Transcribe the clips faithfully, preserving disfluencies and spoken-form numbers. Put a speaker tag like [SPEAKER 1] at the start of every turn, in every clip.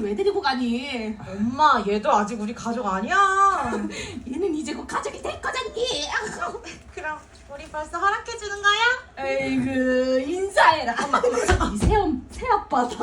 [SPEAKER 1] 왜 데리고 가니?
[SPEAKER 2] 엄마, 얘도 아직 우리 가족 아니야.
[SPEAKER 1] 얘는 이제 곧 가족이 될 거잖니.
[SPEAKER 2] 그럼 우리 벌써 허락해 주는 거야?
[SPEAKER 1] 에이그 인사해라. 엄마, 이 새엄 새아빠다.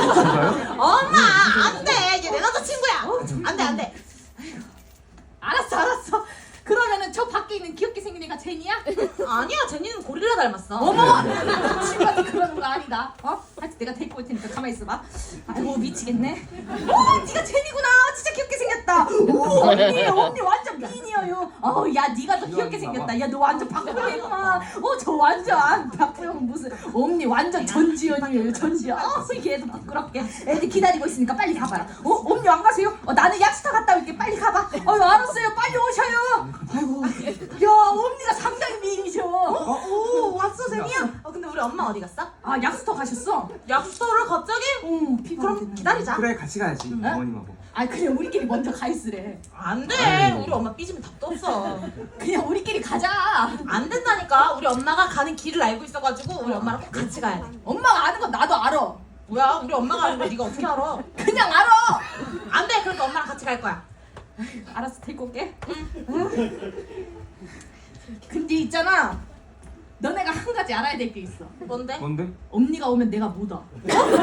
[SPEAKER 2] 엄마, 안 돼. 얘 내 남자친구야. 안 돼, 안 돼.
[SPEAKER 1] 알았어, 알았어. 그러면은 저 밖에 있는 귀엽게 생긴 애가 제니야?
[SPEAKER 2] 아니야, 제니는 고릴라 닮았어.
[SPEAKER 1] 어머! 친구한테 그러는 거 아니다. 어? 하여튼 내가 데리고 올 테니까 가만히 있어봐. 아이고 미치겠네. 어, 네가 제니구나. 진짜 귀엽게 생겼다. 오, 언니, 언니 완전 미인이에요. 어, 야, 네가 더 귀엽게 생겼다. 야, 너 완전 박보영이구만. 어, 저 완전 박보영 무슨 언니 완전 전지현이에요. 전지현. 어, 얘도 부끄럽게. 애들 기다리고 있으니까 빨리 가봐라. 어, 언니 안 가세요? 어, 나는 약수터 갔다 올게. 빨리 가봐. 어, 알았어요. 빨리 오셔요. 아이고, 야, 언니가 상당히 미인이셔.
[SPEAKER 2] 어, 오, 왔어, 제니야? 어, 근데 우리 엄마 어디 갔어?
[SPEAKER 1] 아, 약수터 가셨어?
[SPEAKER 2] 약수터를 갑자기?
[SPEAKER 1] 응,
[SPEAKER 2] 그럼 기다리자.
[SPEAKER 3] 그래 같이 가야지 어머님하고.
[SPEAKER 1] 아, 그냥 우리끼리 먼저 가 있으래.
[SPEAKER 2] 안 돼.
[SPEAKER 3] 아니.
[SPEAKER 2] 우리 엄마 삐지면 답도 없어.
[SPEAKER 1] 그냥 우리끼리 가자.
[SPEAKER 2] 안 된다니까. 우리 엄마가 가는 길을 알고 있어가지고 우리 엄마랑 꼭 같이 가야 돼.
[SPEAKER 1] 엄마가 아는 건 나도 알아.
[SPEAKER 2] 뭐야? 우리 엄마가 아는 거 네가 어떻게 알아?
[SPEAKER 1] 그냥 알아.
[SPEAKER 2] 안 돼. 그러니까 엄마랑 같이 갈 거야.
[SPEAKER 1] 알았어, 데리고 올게. 응. 근데 있잖아, 너네가 한 가지 알아야 될 게 있어.
[SPEAKER 2] 뭔데?
[SPEAKER 3] 뭔데?
[SPEAKER 1] 언니가 오면 내가 못 와.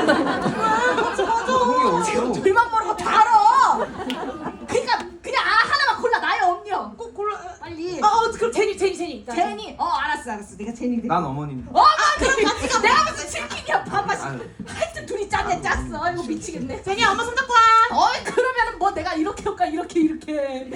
[SPEAKER 3] 형이 어디요?
[SPEAKER 1] 둘만 모르고 다 알아. 그러니까 그냥 아 하나만 골라. 나야 언니야.
[SPEAKER 2] 꼭 골라.
[SPEAKER 1] 빨리.
[SPEAKER 2] 어, 어 그럼 제니, 제니, 제니. 나
[SPEAKER 1] 제니. 어, 알았어, 알았어. 내가 제니.
[SPEAKER 3] 난 어머님.
[SPEAKER 1] 어, 아, 그럼 같이 가. 내가 무슨 치킨이야, 밥맛이.
[SPEAKER 3] 아유.
[SPEAKER 1] 하여튼 둘이 짰네, 짰어. 이거 미치겠네.
[SPEAKER 2] 제니야, 엄마 손잡고 와.
[SPEAKER 1] 어이, 그러면은 뭐 내가 이렇게 할까, 이렇게, 이렇게.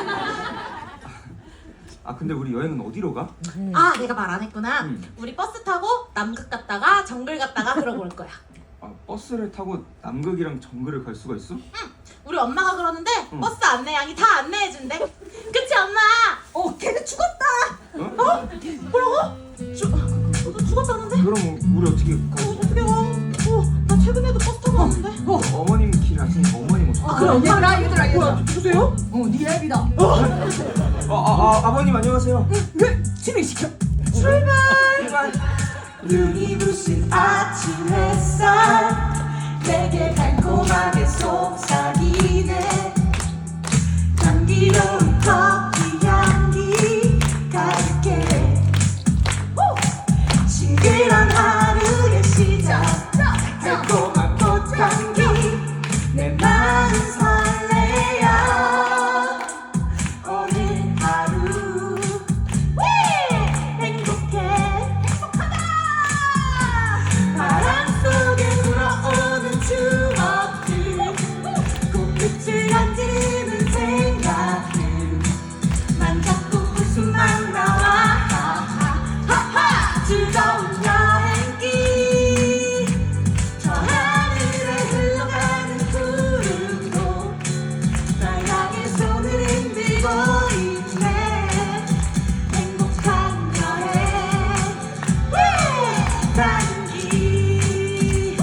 [SPEAKER 3] 아 근데 우리 여행은 어디로 가?
[SPEAKER 2] 아, 내가 말 안 했구나.
[SPEAKER 3] 응.
[SPEAKER 2] 우리 버스 타고 남극 갔다가 정글 갔다가 그러고 올 거야.
[SPEAKER 3] 아 버스를 타고 남극이랑 정글을 갈 수가 있어?
[SPEAKER 2] 우리 엄마가 그러는데
[SPEAKER 3] 응.
[SPEAKER 2] 버스 안내양이 다 안내해준대. 그치, 엄마?
[SPEAKER 1] 어, 걔는 죽었다.
[SPEAKER 3] 어?
[SPEAKER 2] 뭐라고? 죽, 너 죽었다는데?
[SPEAKER 3] 그럼 우리 어떻게 가?
[SPEAKER 2] 어, 어떻게 가? 어, 나 최근에도 버스 타고 왔는데.
[SPEAKER 1] 어,
[SPEAKER 3] 어머님 길 아시니까 어머님 오셔.
[SPEAKER 1] 아, 그럼 얘들아, 얘들아, 얘들아.
[SPEAKER 2] 누구세요?
[SPEAKER 1] 어, 네 앱이다.
[SPEAKER 3] 아, 아, 아 아버님 안녕하세요.
[SPEAKER 1] 그 진행시켜.
[SPEAKER 3] 출발.
[SPEAKER 4] 눈이 부신 아침 햇살 내게 달콤하게 속삭이네 향기로운 커피 향기 가득해 싱그런 하루의 시작 달콤한 꽃향기 내 마음 설레요 오늘 하루 행복해 바람 속에 불어오는 추억들 꽃빛을 만지는 생각들 난 자꾸 웃음만 나와 하하 즐거운 여행길 저 하늘에 흘러가는 구름도 날 향해 손을 흔들고 있네 행복한 여행 나는 길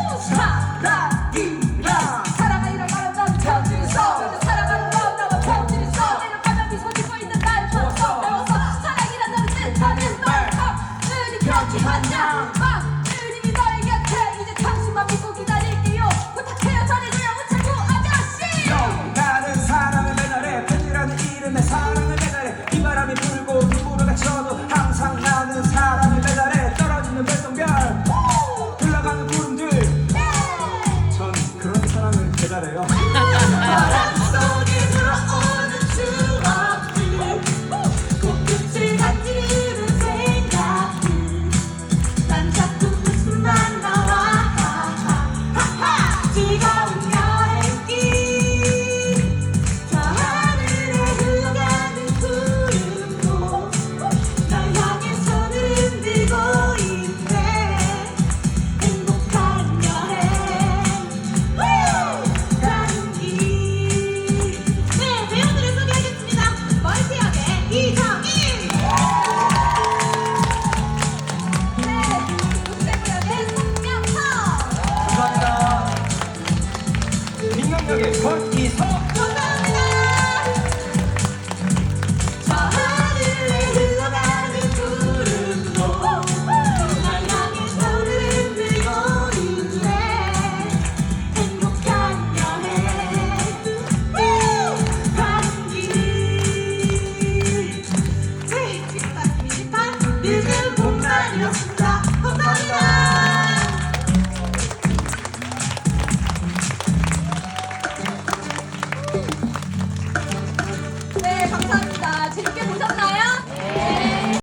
[SPEAKER 4] 사랑이라
[SPEAKER 1] 사랑하기를 바란다면 편지를 써. 사랑하는 마음나와 편지를 써. 내려가면 미소 짓고 있는 날 보았어. 배웠어. 사랑이란 너를 뜻하는 말. 은이 편지 한 장. 은이 너의 곁에 이제 당신만 믿고 기다릴게요. 부탁해요 전해줘요 우체국 아저씨.
[SPEAKER 5] 나는 사랑을 매달해 팬이라는 이름에 사랑을 매달해 비바람이 불고 눈보라가 쳐도 항상 나는 사랑을 매달해 떨어지는 별똥별 흘러가는 구름들 전 그런 사랑을 매달해요.
[SPEAKER 4] 바람 속에 불어오는 추억들 꽃빛을 만지는 생각들 난 자꾸 웃음만 나와 하하 즐거운 여행길 저 하늘에 흘러가는 구름도 날 향해 손을 흔들고 있네 행복한 여행 가는 길. 네, 배우들을 소개하겠습니다. 멀티역의 이정인.
[SPEAKER 1] 네, 우체국역의 송명석.
[SPEAKER 3] 감사합니다. 민경역의 권이석.
[SPEAKER 4] 감사합니다. 저 하늘에 흘러가는 구름도 날 향해 손을 흔들고 있네 행복한
[SPEAKER 1] 재밌게 보셨나요?